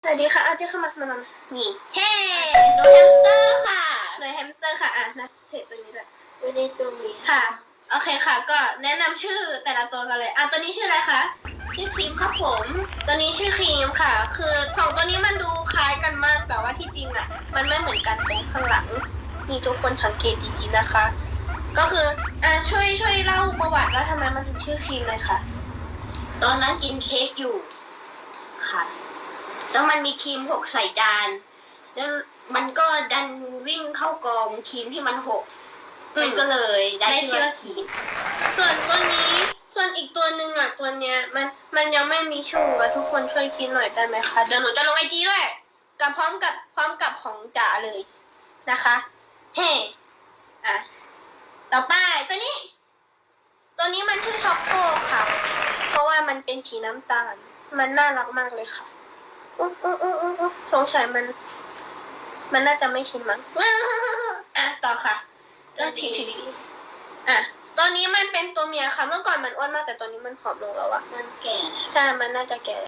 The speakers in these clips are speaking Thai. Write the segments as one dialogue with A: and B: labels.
A: สวัสดีค่ะอาเจ้าเข้ามานี่เฮ้
B: หนูแฮมสเตอร์ค่ะ
A: หน่วยแฮมสเตอร์ค่ะนะเทรดตัวนี้ด้วย
B: ตัวนี้ตัวนี้
A: ค่ะโอเคค่ะก็แนะนำชื่อแต่ละตัวกันเลยตัวนี้ชื่ออะไรคะ
B: ชื่อครีมครับผม
A: ตัวนี้ชื่อครีมค่ะ คือสองตัวนี้มันดูคล้ายกันมากแต่ว่าที่จริงอ่ะมันไม่เหมือนกันตรงข้างหลังนี่ทุกคนสังเกตดีๆนะคะ ก็คือช่วยเล่าประวัติว่าทำไมมันถึงชื่อครีมเลยค่ะ
B: ตอนนั้นกินเค้กอยู่ค่ะแล้วมันมีครีมหกใส่จานแล้วมันก็ดันวิ่งเข้ากองครีมที่มันหกมันก็เลยได้ชื่อว่าครีม
A: ส่วนอีกตัวหนึ่งตัวเนี้ยมันยังไม่มีชื่อทุกคนช่วยคิดหน่อยได้ไหมคะเดี๋ยวหนูจะลงIGด้วยกับพร้อมกับของจ๋าเลยนะคะเฮ้ต่อไปตัวนี้มันชื่อช็อกโกค่ะ เพราะว่ามันเป็นสีน้ำตาลมันน่ารักมากเลยค่ะสงสัยมันน่าจะไม่ชินมั้งต่อค่ะก็ทีตัวนี้มันเป็นตัวเมียค่ะ เมื่อก่อนมันอ้วนมากแต่ตอนนี้มันผอมลงแล้วอะ
B: มันแก่แล้ว
A: ใช่มันน่าจะแก่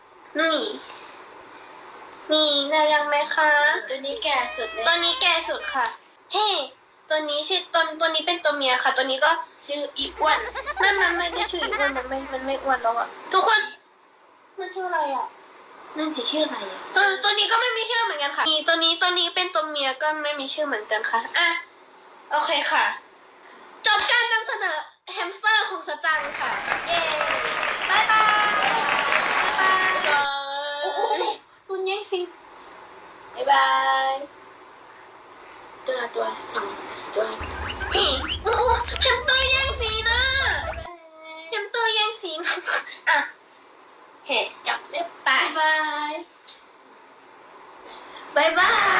A: นี่น่ายังไหมคะ
B: ตัวนี้แก่สุดเลย
A: ตัวนี้แก่สุดค่ะเฮ้ตัวนี้ชื่อตัวนี้เป็นตัวเมียค่ะ ตัวนี้ก็
B: ชื่ออีอ้วน
A: มันไม่ได้ชื่ออ้วนมันไม่อ้วนแล้วอะทุกคนมันชื่ออะไรอะ
B: นั่นสิชื่ออะไรอ่ะ
A: ตัวนี้ก็ไม่มีชื่อเหมือนกันค่ะตัวนี้เป็นตัวเมียก็ไม่มีชื่อเหมือนกันค่ะโอเคค่ะ จบการนำเสนอแฮมสเตอร์ของสจังค่ะเย้บายบายคุณแย่งซีน
B: บ๊ายบายตัวสองตัว
A: นี่โอ้โหแฮมสเตอร์แย่งซีนนะแฮมสเตอร์แย่งซีนเฮ้
B: จับได้
A: ไป
B: บ๊ายบาย